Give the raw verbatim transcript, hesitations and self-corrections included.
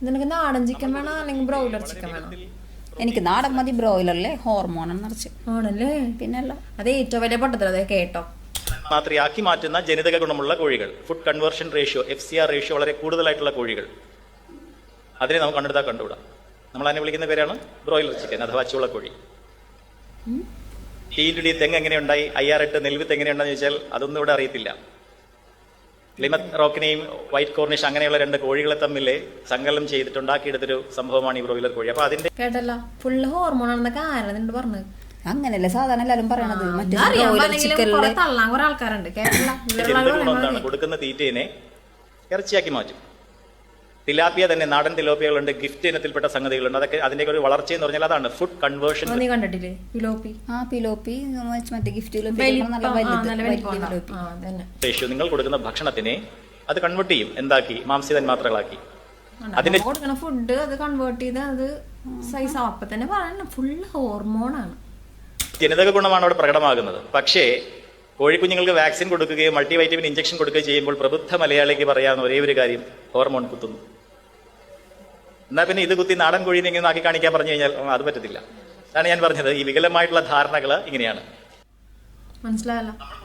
നിനക്ക് നാടൻ ചിക്കൻ വേണോ അല്ലെങ്കിൽ ബ്രോയിലർ ചിക്കൻ വേണോ? എനിക്ക് നാടൻ മതി, ബ്രോയിലറിലെ ഹോർമോൺ നിറച്ച് ആണല്ലേ. പിന്നല്ല, അത് ഏറ്റവും വലിയ പൊട്ടത്തിൽ. അതെ കേട്ടോ. മാത്രയാക്കി മാറ്റുന്ന ജനിതക ഗുണമുള്ള കോഴികൾ, food conversion ratio F C R ratio വളരെ കൂടുതലായിട്ടുള്ള കോഴികൾ, അതിനെ നമുക്ക് കണ്ടെടുത്താൽ കണ്ടുകൂടാ. നമ്മൾ അതിനെ വിളിക്കുന്ന പേരാണ് ബ്രോയിലർ ചിക്കൻ അഥവാ ചൂളക്കോഴി. ടി ഇൻറ്റു ഡി തെങ്ങ് എങ്ങനെയുണ്ടായി, ഐ ആർ എട്ട് നെൽവിത്ത് എങ്ങനെയുണ്ടെന്ന് ചോദിച്ചാൽ അതൊന്നും ഇവിടെ അറിയത്തില്ല. ലിമത്ത് റോക്കിനെയും വൈറ്റ് കോർണിഷ് അങ്ങനെയുള്ള രണ്ട് കോഴികളെ തമ്മിൽ സങ്കലനം ചെയ്തിട്ടുണ്ടാക്കിയെടുത്തൊരു സംഭവമാണ് ഈ ബ്രോയിലർ കോഴി. അപ്പൊ അതിന്റെ കേട്ടല്ലോ, ഫുള്ള് ഹോർമോൺ ആണെന്നൊക്കെ ആരാ പറഞ്ഞത്? അങ്ങനെയല്ലേ സാധാരണ എല്ലാരും പറയണത്. തള്ളാൻ കുറെ ആൾക്കാരുണ്ട്. കേട്ടല്ലോ, കൊടുക്കുന്ന തീറ്റയെ ഇറച്ചിയാക്കി മാറ്റും. തിലാപ്പിയ തന്നെ, നാടൻ തിലോപ്പിയകളുണ്ട്, ഗിഫ്റ്റ് ഇനത്തിൽപ്പെട്ട സംഗതികളുണ്ട്. അതൊക്കെ അതിന്റെ ഒരു വളർച്ച എന്ന് പറഞ്ഞാൽ അതാണ് ഫുഡ് കൺവേർഷൻ. നീ കണ്ടിട്ടില്ലേ പിലോപ്പി? ആ പിലോപ്പി മറ്റേ ഗിഫ്റ്റ് റേഷ്യോ നിങ്ങൾ കൊടുക്കുന്ന ഭക്ഷണത്തിനെ അത് കൺവേർട്ട് ചെയ്യും, എന്താക്കി മാംസ്യ തന്മാത്രകളാക്കി. അതിന്റെ കൊടുക്കുന്ന ഫുഡ് അത് കൺവേർട്ട് ചെയ്ത് അത് സൈസ് ആവും. അപ്പൊ തന്നെ പറയണം ഫുള്ള് ഹോർമോണാണ്. ജനിതക ഗുണമാണ് അവിടെ പ്രകടമാകുന്നത്. പക്ഷേ കോഴിക്കുഞ്ഞുങ്ങൾക്ക് വാക്സിൻ കൊടുക്കുകയോ മൾട്ടി വൈറ്റമിൻ ഇഞ്ചക്ഷൻ കൊടുക്കുകയോ ചെയ്യുമ്പോൾ പ്രബുദ്ധ മലയാളിക്ക് പറയാവുന്ന ഒരേ ഒരു കാര്യം, ഹോർമോൺ കുത്തുന്നു. എന്നാ പിന്നെ ഇത് കുത്തി നാടൻ കോഴീനെ ഇങ്ങനെ ആക്കി കാണിക്കാൻ പറഞ്ഞു കഴിഞ്ഞാൽ അത് പറ്റത്തില്ല. അതാണ് ഞാൻ പറഞ്ഞത്, ഈ വികലമായിട്ടുള്ള ധാരണകൾ ഇങ്ങനെയാണ്. മനസ്സിലായല്ലോ.